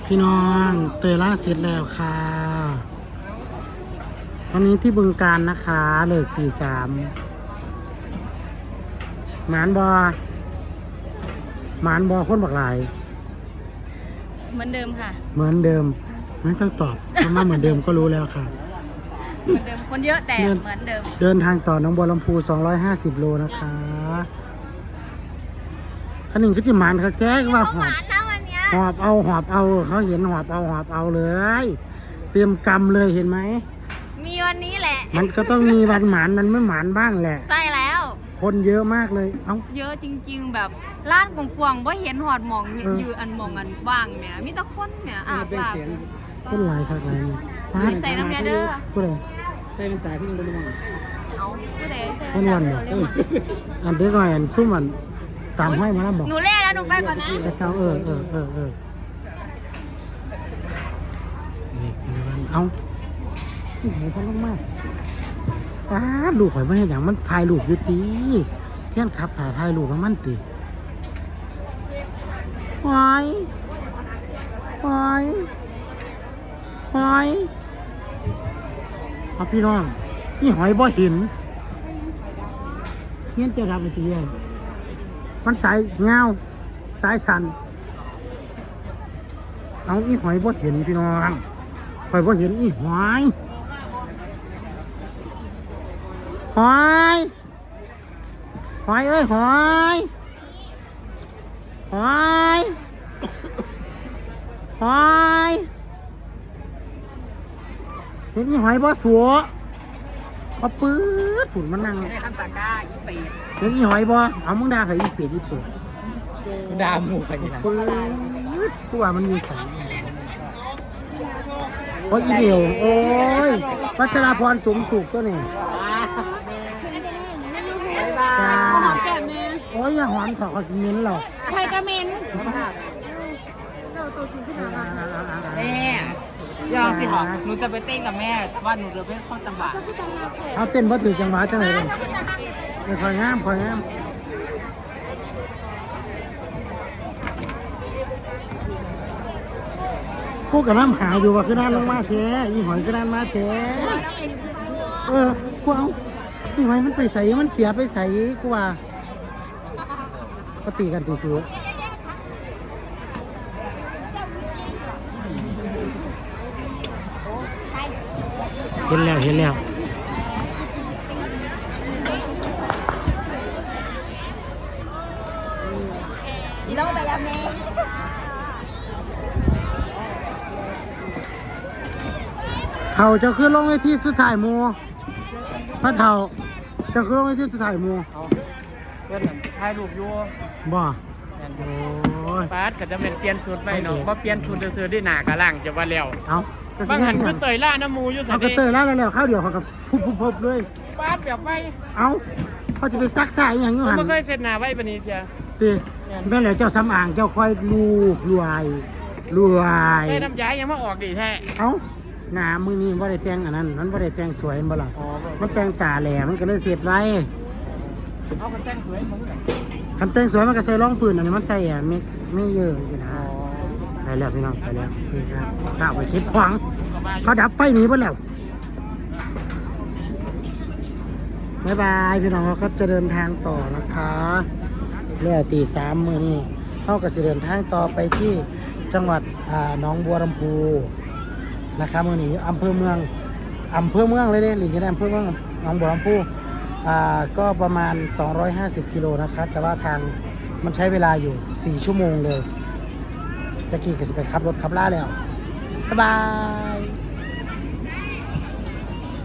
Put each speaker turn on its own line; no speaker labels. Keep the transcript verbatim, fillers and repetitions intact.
พี่น้องเตยล่าเสร็จแล้วค่ะวันนี้ที่บึงการนะคะเลิกตีสามหมานบอหมานบอคนบักหลาย
เหมือนเดิมค่ะ
เหมือนเดิมไม่ต้องตอบเพราะมาเหมือนเดิมก็รู้แล้วค่ะ
เหมือนเดิมคนเยอะแต่เหมือนเดิม
เดินทางต่อหนองบัวลำพูสองร้อยห้าสิบโลนะคะขนิ่งก็จิหมานค่ะแจ๊กว่าหอบ
นะวันนี้
หอบเอาหอบเอาเขาเห็นหอบเอาหอบเอาเลย เตรียมกำเลยเห็นไหม
มีวันนี้แหละ
มันก็ต้องมีวันหมานมันไม่หมานบ้างแหละ
ใช่แล้ว
คนเยอะมากเลย เอ้า
เยอะจริงๆแบบล้านกวางๆว่าเห็นหอดหมอง
เออ
ยืนอันหมองอันว่างเนี่ยมีแต่คนเนี่ยอาบลาบ
คนหลายคักหลายนี่
ไม่ใส่น้ำยาเด้อ
ผู้ใด
ใส่เป็นตาที่ยังบริมอง
เอาผู้ใด
คนวันเหรอ อันเด็กหน่อยอันซุ่มอันตามห้อยมาแล้วบอก
หนูเล่แล้วหนูไปก่อนนะ
แต่เขาเออเออเออเออนี่ในวันเอ้าที่ไหนท่านลงมาอ้าลูกข่อยไม่เห็นอย่างมันถ่ายรูปอยู่ตีเที่ยนขับถ่ายถ่ายรูปมันมันตีหอยหอยหอยเอาพี่น้องนี่หอยบ่เห็นเงี้ยจะรับไปตีเองมันสายเงาสายสันเอาอีหอยบ่เห็นพี่น้องหอยบ่เห็นอีหอยหอยหอยเอ้ยหอยหอยหอยเห็นอีหอยบ่สัวพอปื๊ดฝุ่นมันนั่ง
ไม่ได้ขั้นตาก้าอีเป็ด
เห็นอีหอยบ่เอามึงด่าใครอีเป็ดอีเปิด
ดาหมูใครนี่นะ
ปื๊ดกูว่ามันมีสายโอ้ยอีเดียวโอ้ยวัชราพรสูงสุขตัวนี้จ้าโอ้ยอย่าหอมถอดกินมิ้นหรอก
ใครกระเมน
แม่ยาวสิหอหนูจะไปเต้นกับแม่ว่าหนูจะเป็นข้อจังหวะ
เอาเต้นบ่ถือจังหวะจังไหนเลยไม่คอยงามคอยงามพวกกับน้ำหาอยู่ว่าคือด้านลงมาแท้อีหอยคือด้านมาแท้เออกูเอาอีหอยมันไปใส่มันเสียไปใส่กูว่าก็ตีกันตีสูเห็นแล้วเห็นแล้ว
นี่ต้องไปแล้วแม่
เท่าจะขึ้นลงในที่สุดท้ายหมูพระเท่าจะขึ้นลงในที่สุดท้ายหมู
เพื่อนถ่ายรูปอยู่
บ่โอ้ย
ปาดก็จะเป็นเปลี่ยนสูตรไปเนาะว่าเปลี่ยนสูตรซื้อด้วยหนากระล่างจะว่าแล้ว
เอาก็สิ
บางหัน
เฮ็
คื
ด
อ
ห
เต
ยัง
ยล่าน้ำมูอยู่สั
เอา
น
กระ
นี่
เตยแล้วแล้วๆข้าวเดียวเขากับพุบพุบพุบเลย
ปาดแบบไป
เอาเขาจะไปซักสายอหย่างอยู่
ผม
หัน
ไม่เคยเสร็จหนาไว้ปานนี้เชีย
ตีแม่นแล้วเจ้าสำอางเจ้าคอยลูบรวยรวย
ได้น้ำย้ายยังมาออกดีแท้
เอาหน้ามือนี้ว่าได้แต่งอันนั้นมันว่าได้แต่งสวยเห็นบ่ล่ะ
อ๋อ
มันแต่งตาแหลมมันก็เลยเสียดไร
เอาคนแต่งสวยมึงเหรอ
คำแต่งสวยมันก็ใส่รองพื้นอันนี้มันใส่อ่ะไม่ไม่เยอะสินะ
อ๋อ
ไปแล้วพี่น้องไปแล้วนี่ครับข้าวไปคิดขวางเขาดับไฟหนีไปแล้วบ๊ายบายพี่น้องเราก็จะเดินทางต่อนะคะเรื่อตีสามมือนี้เขาก็จะเดินทางต่อไปที่จังหวัดอ่าหนองบัวลำพูนะครับมือนี้อำเภอเมืองอำเภอเมืองเลยเด้หลิงจะได้อำเภอเมืองหนองบัวลำพูอ่าก็ประมาณสองร้อยห้าสิบกิโลนะคะแต่ว่าทางมันใช้เวลาอยู่สี่ชั่วโมงเลยตะกี้ก็จะไปขับรถขับล่าแล้วบ๊ายบาย